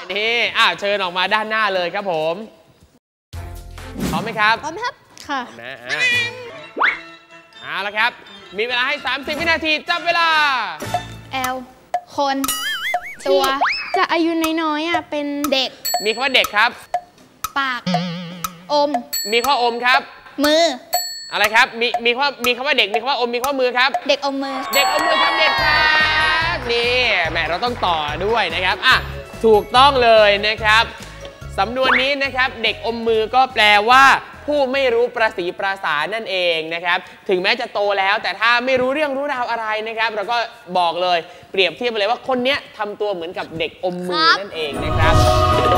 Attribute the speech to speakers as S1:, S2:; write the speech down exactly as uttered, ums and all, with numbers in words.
S1: นี่อ่ะเชิญออกมาด้านหน้าเลยครับผมพร้อมไหมครับ
S2: พร้อมครับค่ะ
S1: นะอ่ะเอาละครับมีเวลาให้สามสิบวินาทีจับเวลา
S2: แอลคนตัวจะอายุน้อยๆอ่ะเป็นเด็ก
S1: มีคำว่าเด็กครับ
S2: ปากอม
S1: มีข้ออมครับ
S2: มือ
S1: อะไรครับมีมีคำว่ามีคำว่าเด็กมีคำว่าอมมีข้อมือครับ
S2: เด็กอมมือ
S1: เด็กอมมือครับเด็กครับนี่แหมเราต้องต่อด้วยนะครับอ่ะถูกต้องเลยนะครับสำนวนนี้นะครับเด็กอมมือก็แปลว่าผู้ไม่รู้ประสีประสานั่นเองนะครับถึงแม้จะโตแล้วแต่ถ้าไม่รู้เรื่องรู้ราวอะไรนะครับเราก็บอกเลยเปรียบเทียบไปเลยว่าคนเนี้ยทำตัวเหมือนกับเด็กอมมือนั่นเองนะครับ